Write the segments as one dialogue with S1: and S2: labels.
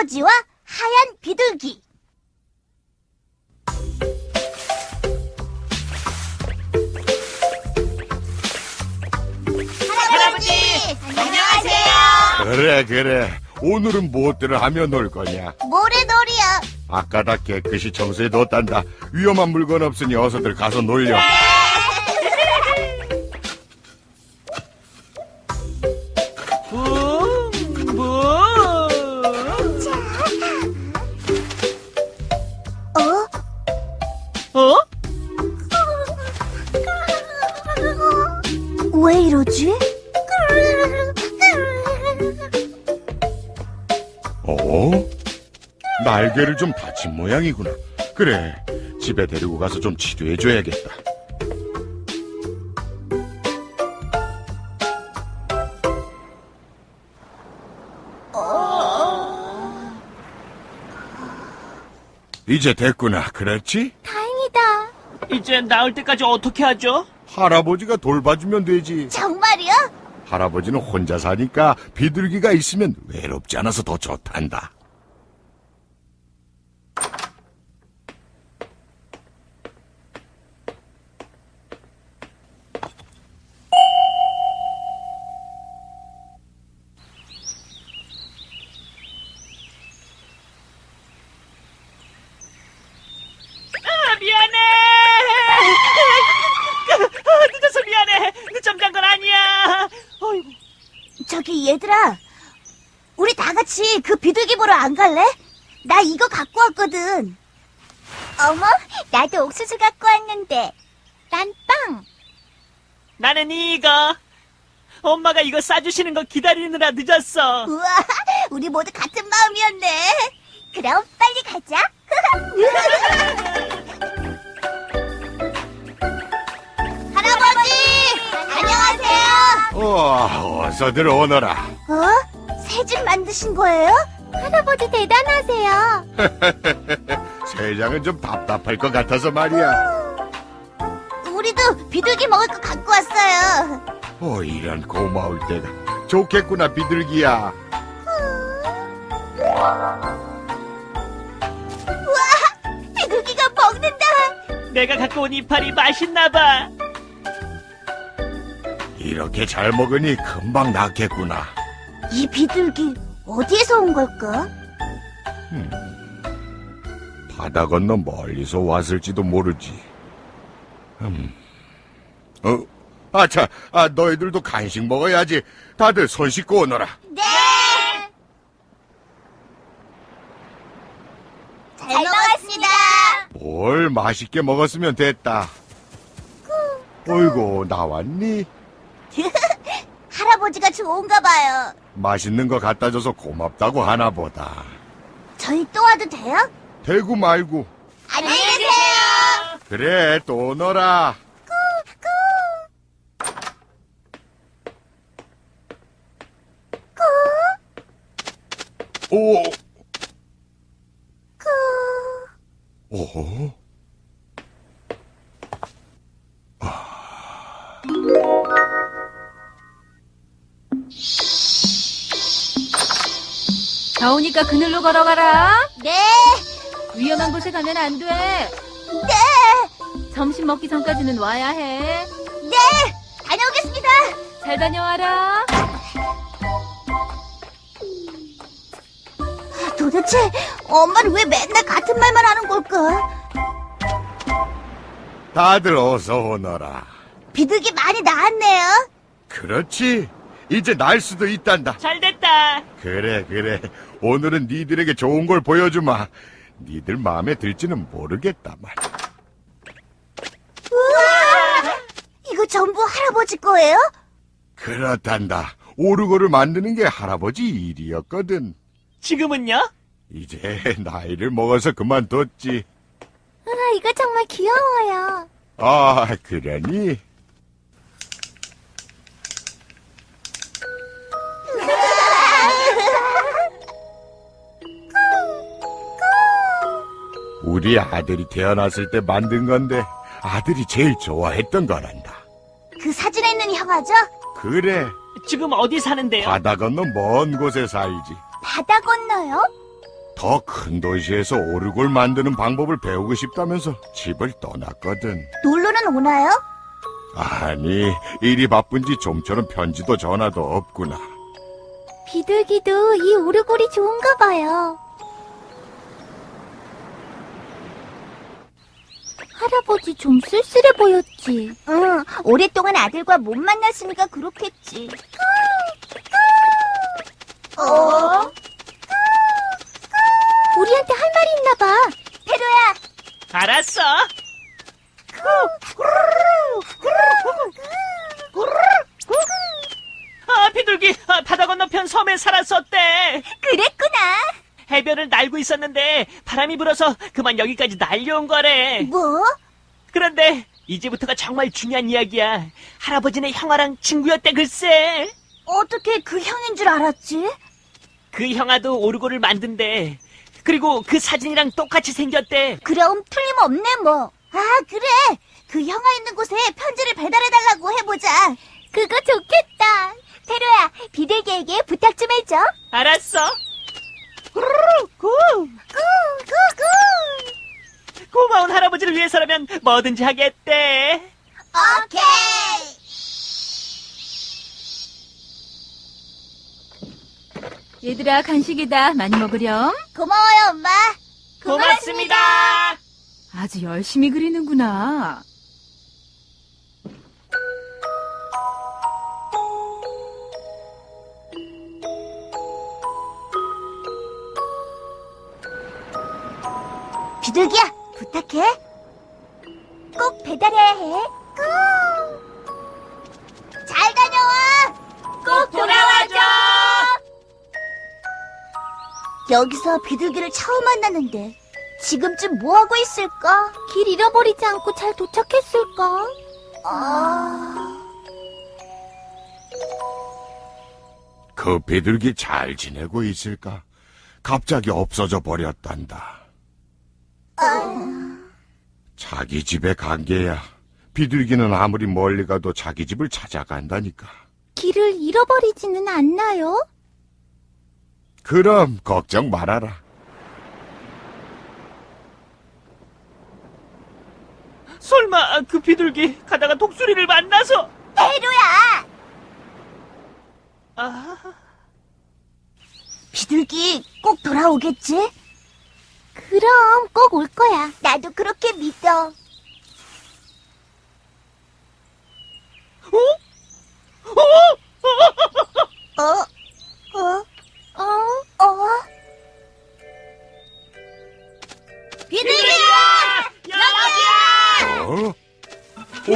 S1: 할아버지와 하얀 비둘기.
S2: 할아버지, 안녕하세요.
S3: 그래. 오늘은 무엇들을 하며 놀 거냐?
S1: 모래놀이야.
S3: 아까 다 깨끗이 청소해뒀단다. 위험한 물건 없으니 어서들 가서 놀려.
S1: 어? 왜 이러지?
S3: 날개를 좀 다친 모양이구나. 그래, 집에 데리고 가서 좀 치료해줘야겠다. 이제 됐구나, 그렇지?
S1: 다행이다.
S2: 이제 나을 때까지 어떻게 하죠?
S3: 할아버지가 돌봐주면 되지.
S1: 정말이야?
S3: 할아버지는 혼자 사니까 비둘기가 있으면 외롭지 않아서 더 좋단다.
S2: 미안해. 늦어서 미안해. 늦잠 잔 건 아니야. 어이구.
S1: 저기 얘들아, 우리 다 같이 그 비둘기 보러 안 갈래? 나 이거 갖고 왔거든. 어머, 나도 옥수수 갖고 왔는데. 난 빵.
S2: 나는 이거. 엄마가 이거 싸주시는 거 기다리느라 늦었어.
S1: 우와, 우리 모두 같은 마음이었네. 그럼 빨리 가자. 할아버지, 안녕하세요.
S3: 어서들 오너라.
S1: 새 집 만드신 거예요? 할아버지 대단하세요.
S3: 세상은 좀 답답할 것 같아서 말이야.
S1: 우리도 비둘기 먹을 거 갖고 왔어요.
S3: 이런 고마울 때가. 좋겠구나, 비둘기야.
S1: 비둘기가 먹는다.
S2: 내가 갖고 온 이파리 맛있나 봐.
S3: 이렇게 잘 먹으니 금방 낫겠구나.
S1: 이 비둘기 어디에서 온 걸까?
S3: 바다 건너 멀리서 왔을지도 모르지. 아차, 너희들도 간식 먹어야지. 다들 손 씻고 오너라.
S1: 네. 잘 먹었습니다.
S3: 뭘 맛있게 먹었으면 됐다. 어이구, 나왔니?
S1: 할아버지가 좋은가 봐요.
S3: 맛있는 거 갖다 줘서 고맙다고 하나 보다.
S1: 저희 또 와도 돼요?
S3: 대구 말고.
S1: 안녕히 계세요.
S3: 그래, 또 오너라. 오. 오.
S4: 더우니까 그늘로 걸어가라.
S1: 네.
S4: 위험한 곳에 가면 안 돼.
S1: 네.
S4: 점심 먹기 전까지는 와야 해.
S1: 네. 다녀오겠습니다.
S4: 잘 다녀와라.
S1: 도대체 엄마는 왜 맨날 같은 말만 하는 걸까?
S3: 다들 어서 오너라.
S1: 비둘기 많이 나았네요.
S3: 그렇지. 이제 날 수도 있단다.
S2: 잘 됐다.
S3: 그래. 오늘은 니들에게 좋은 걸 보여주마. 니들 마음에 들지는 모르겠다만.
S1: 우와! 이거 전부 할아버지 거예요?
S3: 그렇단다. 오르고를 만드는 게 할아버지 일이었거든.
S2: 지금은요?
S3: 이제 나이를 먹어서 그만뒀지.
S1: 이거 정말 귀여워요.
S3: 아, 그러니? 우리 아들이 태어났을 때 만든 건데 아들이 제일 좋아했던 거란다.
S1: 그 사진에 있는 형아죠?
S3: 그래,
S2: 지금 어디 사는데요?
S3: 바다 건너 먼 곳에 살지.
S1: 바다 건너요?
S3: 더 큰 도시에서 오르골 만드는 방법을 배우고 싶다면서 집을 떠났거든.
S1: 놀러는 오나요?
S3: 아니, 일이 바쁜지 좀처럼 편지도 전화도 없구나.
S1: 비둘기도 이 오르골이 좋은가 봐요. 할아버지 좀 쓸쓸해 보였지. 응, 오랫동안 아들과 못 만났으니까 그렇겠지. 우리한테 할 말이 있나 봐. 페로야.
S2: 알았어. 비둘기 바다 건너편 섬에 살았었대.
S1: 그랬구나.
S2: 해변을 날고 있었는데 바람이 불어서 그만 여기까지 날려온 거래.
S1: 뭐?
S2: 그런데 이제부터가 정말 중요한 이야기야. 할아버지네 형아랑 친구였대 글쎄.
S1: 어떻게 그 형인 줄 알았지?
S2: 그 형아도 오르골을 만든대. 그리고 그 사진이랑 똑같이 생겼대.
S1: 그럼 틀림없네 뭐. 아, 그래. 그 형아 있는 곳에 편지를 배달해달라고 해보자. 그거 좋겠다. 페로야, 비둘기에게 부탁 좀 해줘.
S2: 알았어. 구.
S1: 꾹꾹꾹.
S2: 고마운 할아버지를 위해서라면 뭐든지 하겠대.
S1: 오케이.
S4: 얘들아, 간식이다. 많이 먹으렴.
S1: 고마워요, 엄마.
S2: 고맙습니다.
S4: 아주 열심히 그리는구나.
S1: 비둘기야, 부탁해. 꼭 배달해야 해. 잘 다녀와.
S2: 꼭 돌아와줘.
S1: 여기서 비둘기를 처음 만났는데 지금쯤 뭐하고 있을까? 길 잃어버리지 않고 잘 도착했을까?
S3: 그 비둘기 잘 지내고 있을까? 갑자기 없어져 버렸단다. 자기 집에 간 게야. 비둘기는 아무리 멀리 가도 자기 집을 찾아간다니까.
S1: 길을 잃어버리지는 않나요?
S3: 그럼 걱정 말아라.
S2: 설마 그 비둘기 가다가 독수리를 만나서.
S1: 페로야!
S2: 아,
S1: 비둘기 꼭 돌아오겠지? 그럼 꼭 올 거야. 나도 그렇게 믿어.
S2: 어?
S1: 비둘기야!
S3: 어? 오.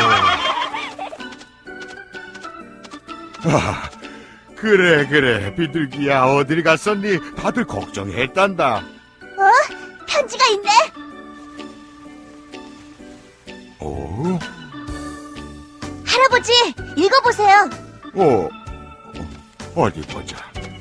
S3: 아, 그래. 비둘기야, 어딜 갔었니? 다들 걱정했단다.
S1: 편지가 있네.
S3: 오?
S1: 할아버지, 읽어보세요.
S3: 어디 보자.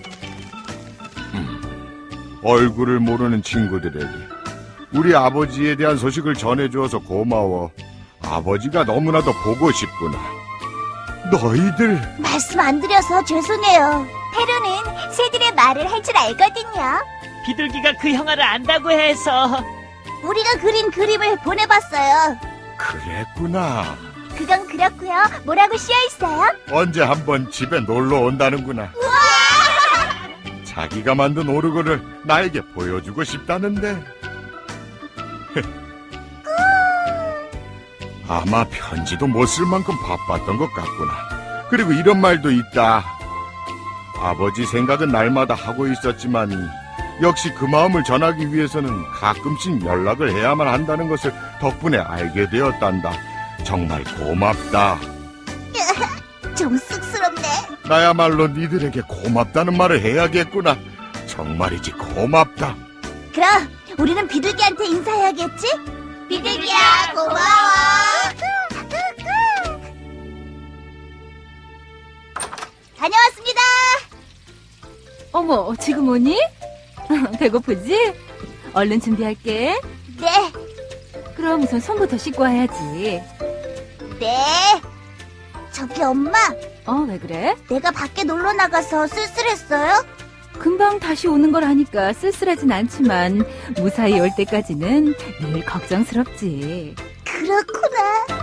S3: 얼굴을 모르는 친구들에게 우리 아버지에 대한 소식을 전해주어서 고마워. 아버지가 너무나도 보고 싶구나. 너희들.
S1: 말씀 안 드려서 죄송해요. 페로는 새들의 말을 할 줄 알거든요.
S2: 비둘기가 그 형아를 안다고 해서.
S1: 우리가 그린 그림을 보내봤어요.
S3: 그랬구나.
S1: 그건 그렇고요. 뭐라고 씌어있어요?
S3: 언제 한번 집에 놀러 온다는구나. 자기가 만든 오르골을 나에게 보여주고 싶다는데. 아마 편지도 못 쓸 만큼 바빴던 것 같구나. 그리고 이런 말도 있다. 아버지 생각은 날마다 하고 있었지만 역시 그 마음을 전하기 위해서는 가끔씩 연락을 해야만 한다는 것을 덕분에 알게 되었단다. 정말 고맙다.
S1: 좀 쑥스럽네.
S3: 나야말로 니들에게 고맙다는 말을 해야겠구나. 정말이지 고맙다.
S1: 그럼 우리는 비둘기한테 인사해야겠지? 비둘기야, 고마워. 다녀왔습니다.
S4: 어머, 지금 오니? 배고프지? 얼른 준비할게.
S1: 네,
S4: 그럼 우선 손부터 씻고 와야지.
S1: 네. 저기 엄마,
S4: 왜 그래?
S1: 내가 밖에 놀러 나가서 쓸쓸했어요?
S4: 금방 다시 오는 걸 아니까 쓸쓸하진 않지만 무사히 올 때까지는 늘 걱정스럽지.
S1: 그렇구나.